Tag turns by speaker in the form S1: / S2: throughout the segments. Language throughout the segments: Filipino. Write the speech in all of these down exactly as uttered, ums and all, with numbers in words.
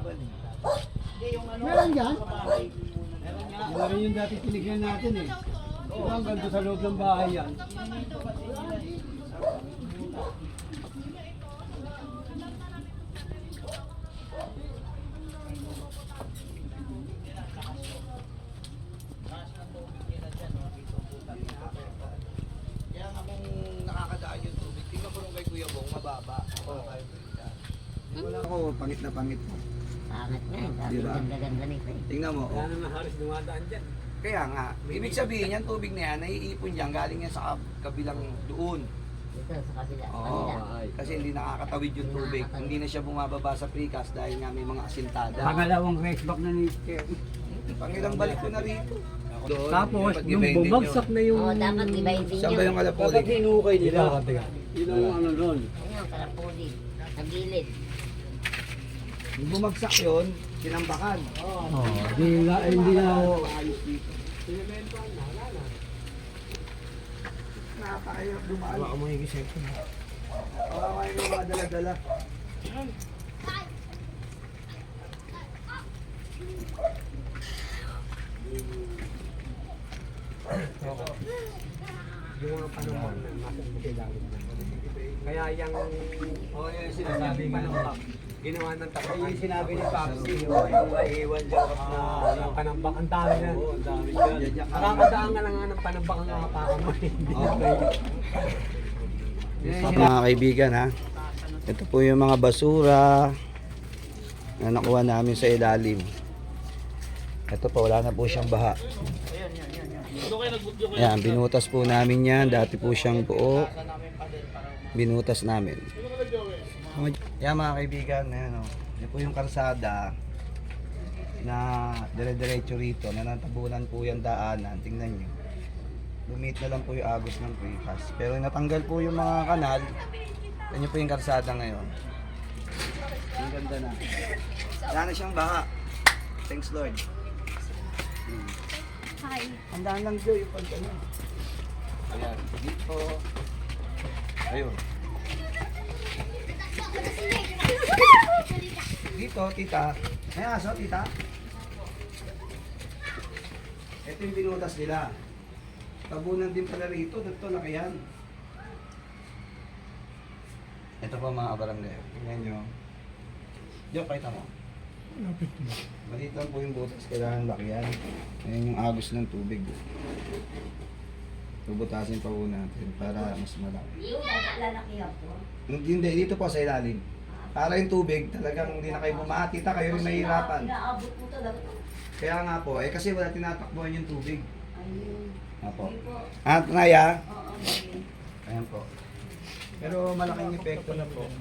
S1: Meron dyan? Meron rin yung dati tinignan natin eh. Ito ang ganda sa loob ng bahay yan.
S2: Kaya nga kung nakakadaan yung tubig, tingnan ko nung kay Kuya Bong, mababa. Okay. Wala ako, pangit na pangit mo.
S3: Pangat na yun. Sabi
S2: Diba?
S3: ganda-ganda nito eh.
S2: Tingnan mo,
S1: Wala
S2: oh.
S1: naman halos dumadaan dyan.
S2: Kaya nga, ibig sabihin yan, tubig na yan, naiipon yan, galing yan sa kab- kabilang doon.
S3: Dito sa kabila.
S2: Oo,
S3: kabila.
S2: kasi hindi nakakatawid yung tubig. Hindi na siya bumababa sa precast dahil nga may mga asintada.
S1: Pangalawang race back na ni Ken.
S2: Pangilang balik ko na rito. Doon,
S1: Tapos,
S2: dapat
S1: nung
S2: gibayin din
S1: bumagsak
S2: yun.
S1: na yung...
S3: Oo, dapat ibayin din
S2: Saan ba yung
S3: yun.
S2: kalapuli?
S1: Dapat hinukay nila. Yun ang ano nun.
S3: Ayun, kalapuli. Sa gilid.
S2: Nung bumagsak yun, sinambakan.
S1: Oh, di na, hindi na ako...
S2: Napakahirap dumaan.
S1: Baka mo yung isip ko na.
S2: Baka kayo yung mga dala-dala.
S1: Yung mga panahon na nasa magkailangan na. Kaya yung... Oo, yung sinasabi nga ng Pap. Ginawa ng takot. Yung sinabi ni Papsi, yung maiiwan dyan na yung panambak. Ang dami na. Oo, ang dami dyan. Nakakadaan ka na nga ng panambak ang nakapakan mo.
S2: Okay. Mga kaibigan ha, ito po yung mga basura na nakuha namin sa ilalim. Ito po, wala na po siyang baha. Ayan, binutas po namin yan. Dati po siyang buo. Binutas namin. Yan mga kaibigan, ayan o. Yan po yung karsada na dire-diretso rito. Nanatabunan po yung daanan. Tingnan nyo. Lumit na lang po yung agos ng precast. Pero natanggal po yung mga kanal. Yan po yung karsada ngayon. Ang ganda na. Wala na siyang baha. Thanks Lord. Hmm.
S4: Hi.
S2: Handaan lang Joy yung pagkano. Ayan, dito. Ayun. Dito, tita. May aso, tita. Ito yung binutas nila. Tabunan din pala rito. Dito, nakayan. Ito pa mga kabarangay. Tingnan nyo. Diyo, pakita mo. Maliit lang po yung butas. Kailangan lakihan. Ayan yung agos ng tubig. Bubutasin pa po natin para mas malaki.
S3: Yung lalakihan po.
S2: Hindi, dito po sa ilalim. Para yung tubig, talagang hindi na kayo bumaha. Tita, kayo rin nahihirapan.
S3: Inaabot po talaga.
S2: Kaya nga po, eh kasi wala tinatakbuhan yung tubig.
S3: Ayun.
S2: Apo.
S3: Hindi po.
S2: At Naya,
S3: Oo, ayun.
S2: ayan po. Pero malaking epekto na po.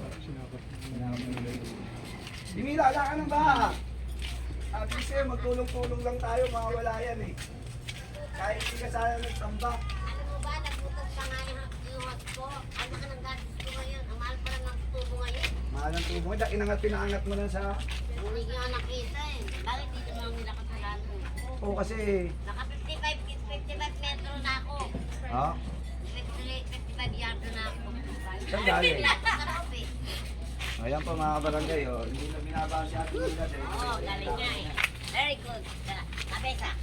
S2: Dimila, wala ka ng baha. At kasi magtulong-tulong lang tayo, mawawala yan eh. Kahit hindi ka sana nagtamba.
S4: Alam mo ba, nagutas pa nga yung yung hot ko. Ano ka ng gastos ko ngayon? Ang mahal pa lang ng tubo ngayon.
S2: Mahal ang tubo. Dahil inangat, pinaangat mo lang sa...
S4: Hindi ko nga nakita eh. Bakit dito mo lang nila kasalanan?
S2: Oo kasi...
S4: Naka fifty-five, fifty-five metro na ako.
S2: Ha?
S4: fifty, fifty-five yard na ako.
S2: Saan galing?
S4: Sarap eh.
S2: Ayan pa mga kabarangay, oh. Hindi na binabasa si Ate Mila.
S4: Oo, galing nga eh. Very good. Kabesa.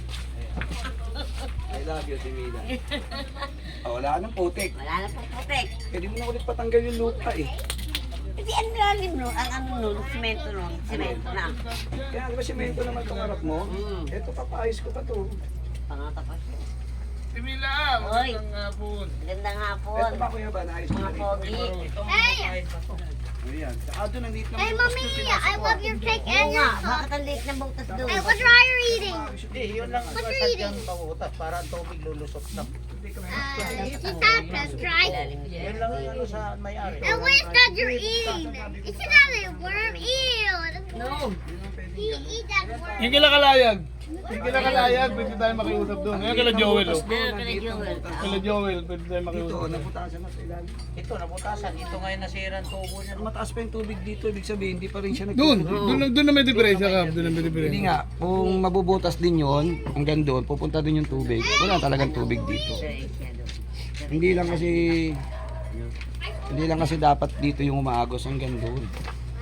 S2: I love you, Ate Mila. Oh, wala ka ng putik.
S4: Wala na pong putik.
S2: Pwede mo na ulit patanggal yung lupa eh.
S4: Kasi ang lalim no, ang ano no, semento no, semento na.
S2: Kaya di ba simento naman itong harap mo?
S4: Mm.
S2: Ito, papaayos ko pa to.
S4: Pangatapos yun.
S5: Timila,
S4: Oy.
S5: magandang hapon.
S4: Gandang hapon.
S2: Ito ba kuya ba? Naayos ko
S4: Mga
S2: na rin.
S4: pogi.
S5: Hey!
S2: Ayan. Saka doon, ang liit ng
S4: Hey,
S2: butas
S4: Mommy,
S2: yung
S4: I
S2: pinasok
S4: love
S2: ko.
S4: your cake and your Bakit ang liit ng butas doon?
S5: Hey,
S4: what are you eating?
S5: Hindi, yun lang ang
S4: What are you
S5: sadyang
S4: eating?
S5: pabutas para ang tubig lulusot na.
S4: Uh, Tita, that's right.
S5: Yun lang ang ano sa may-ari.
S4: And what is that you're eating? Isn't that a worm? Ew!
S3: No.
S4: You eat that worm.
S5: Yung kila kalayag. Yung kila kalayag, pwede tayo makiusap doon. Ngayon kila Joel, oh.
S3: Meron ka na Joel.
S5: Kila Joel, pwede tayo
S2: Dito,
S5: makiusap.
S2: naputasan na sa ilalim.
S5: Ito, nabutasan. Ito ngayon nasira ang tubo niya.
S2: Mataas pa yung tubig dito, ibig sabihin, hindi pa rin siya
S5: Doon,
S2: nagtutuloy.
S5: doon, doon na may diferensya ka. Doon na may
S2: Hindi
S5: diferensya.
S2: nga, kung mabubutas din yun, hanggang doon, pupunta din yung tubig. Wala talagang tubig dito. Hindi lang kasi, hindi lang kasi dapat dito yung umaagos hanggang doon.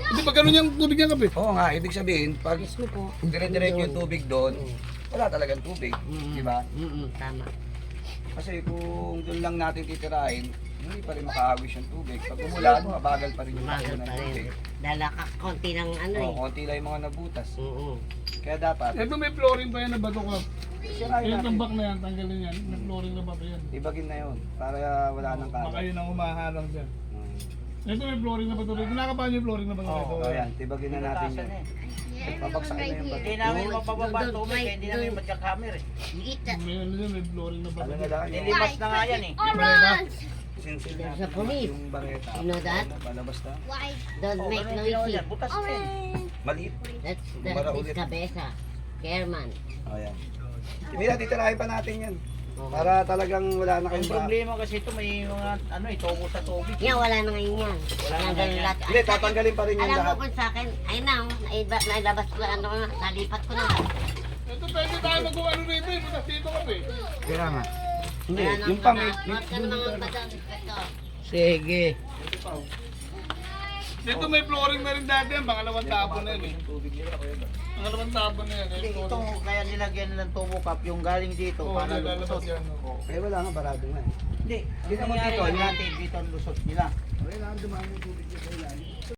S5: Hindi pa ganun yung tubig niya kape.
S2: Oo nga, ibig sabihin, pag
S3: Mismo po.
S2: dire-diretso yung tubig doon, wala talagang tubig. Di ba?
S3: Mm-mm, tama.
S2: Kasi kung doon lang natin titirahin, hindi pa rin makaagos yung tubig. Pag umulan, mabagal pa rin yung takbo
S3: Bagal
S2: ng
S3: pa rin.
S2: tubig.
S3: Dahil ka- konti ng ano
S2: Oo,
S3: eh.
S2: konti lang yung mga nabutas.
S3: Oo.
S2: Kaya dapat,
S5: Ito may flooring pa yan na bato ka.
S2: sirahin
S5: Yung
S2: natin.
S5: tambak na yan, tanggalin yan. May flooring na bato yan.
S2: Ibagin na yun, para wala nang
S5: Baka
S2: kalat.
S5: yun ang humaharang dyan.
S2: Hmm.
S5: Ito may flooring na bato rito. Nakakapahan yung flooring na bato rito.
S2: Oo, ayan, tibagin na natin yun. Pabagsakin na yung bato.
S6: Hindi namin
S3: Doon,
S6: mapababa
S3: doon,
S6: tubig,
S3: doon,
S6: kaya hindi namin
S3: doon.
S6: magkakamera eh.
S3: Kita.
S5: May ano dyan, may flooring na bato.
S2: Ano na lang yun?
S6: Nilimas na nga yan eh.
S2: Sinsil
S3: There's
S2: natin
S3: a police.
S2: yung bareta.
S3: You know that?
S2: Palabas na.
S3: Don't
S6: Oh,
S3: make
S6: ganun ginawa
S3: noisy.
S6: yan, butas na eh.
S2: Maliit.
S3: That's
S2: Para
S3: that's
S2: ulit.
S3: his cabeza. Chairman.
S2: O yan. Mira, titirahin pa natin yan. Para talagang wala na
S6: Ang
S2: kayong ba.
S6: problema kasi ito may mga ano eh, tubo sa tubig.
S3: Yan, wala na ngayon yan.
S6: Wala na
S3: Yan,
S6: ngayon
S3: ganun
S6: yan.
S3: lahat.
S2: Hindi, tatanggalin pa rin yung
S3: Alam mo
S2: lahat.
S3: kung sa akin, ay na, oh, naiba- nailabas ko, ano ko na, nalipat ko na.
S5: Ito pwede tayo magawa ano rito eh. Butas dito kape.
S2: Kaya nga. Hindi,
S3: Kaya nang
S2: yung pang...
S3: mga- mga ka ng mga badang inspector.
S6: Sige.
S5: Dito may flooring na rin dati yan. Pangalawang tapon na yan eh. Pangalawang tapon na yan.
S6: Hindi,
S5: eh.
S6: ito kaya nilagyan ng tubo cup yung galing dito
S5: Oo,
S6: para
S5: nilalabas
S6: lusot.
S5: yan. oh.
S2: Eh wala nga, barado nga eh.
S6: Hindi,
S2: Hindi naman
S6: nangyari
S2: dito,
S6: lang
S2: yan.
S6: natin dito ang lusot nila.
S2: Wala nga, dumaan yung tubig dito sa ilalim.